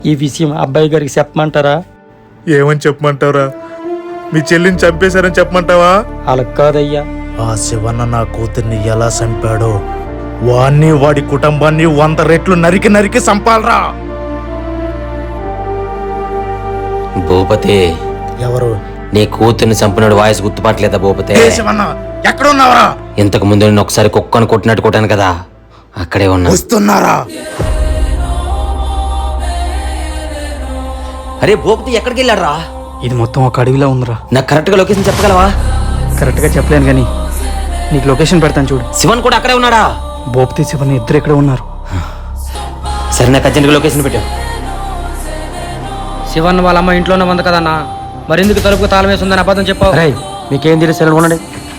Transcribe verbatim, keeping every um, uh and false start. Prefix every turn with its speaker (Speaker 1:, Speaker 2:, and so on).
Speaker 1: ఈ విషయం అబ్బాయి గారికి చెప్పమంటారా?
Speaker 2: ఏమని చెప్పమంటావురా? మీ చెల్లిని చంపేశారని చెప్పమంటావా?
Speaker 1: అలా కాదయ్యా.
Speaker 3: ఆ శివన్న నా కూతుర్ని ఎలా చంపాడో వాణ్ణి వాడి కుటుంబాన్ని వంద రెట్లు నరికి నరికి చంపాలరా.
Speaker 4: భూపతి,
Speaker 3: ఎవరు?
Speaker 4: నీ కూతుర్ని చంపినాడు వాయిస్ గుర్తుపట్టలేదా భూపతి?
Speaker 3: ఏ శివన్న, ఎక్కడ ఉన్నావరా?
Speaker 4: ఇంతకు ముందు నేను ఒకసారి కుక్కను కొట్టినట్టు కొట్టాను కదా, అక్కడే ఉన్నా.
Speaker 3: వస్తున్నారా?
Speaker 4: అరే భూపతి ఎక్కడికి వెళ్ళాడు?
Speaker 5: ఇది మొత్తం ఒక అడవిలో ఉందిరా.
Speaker 4: నాకు కరెక్ట్ గా లొకేషన్ చెప్పగలవా?
Speaker 5: కరెక్ట్ గా చెప్పలేను కానీ నీకు లొకేషన్ పెడతాను చూడు.
Speaker 4: శివన్ కూడా అక్కడే ఉన్నాడా?
Speaker 5: భూపతి శివన్ ఇద్దరు ఎక్కడ ఉన్నారు.
Speaker 4: సరే నాకు అర్జెంట్గా లొకేషన్ పెట్టావు.
Speaker 1: శివన్ వాళ్ళ అమ్మ ఇంట్లోనే ఉంది కదన్నా, మరెందుకు తలుపుకు తాళం వేసి ఉందని అబద్ధం చెప్పావు?
Speaker 5: మీకేం తెలియదు, సెలవు ఉండండి.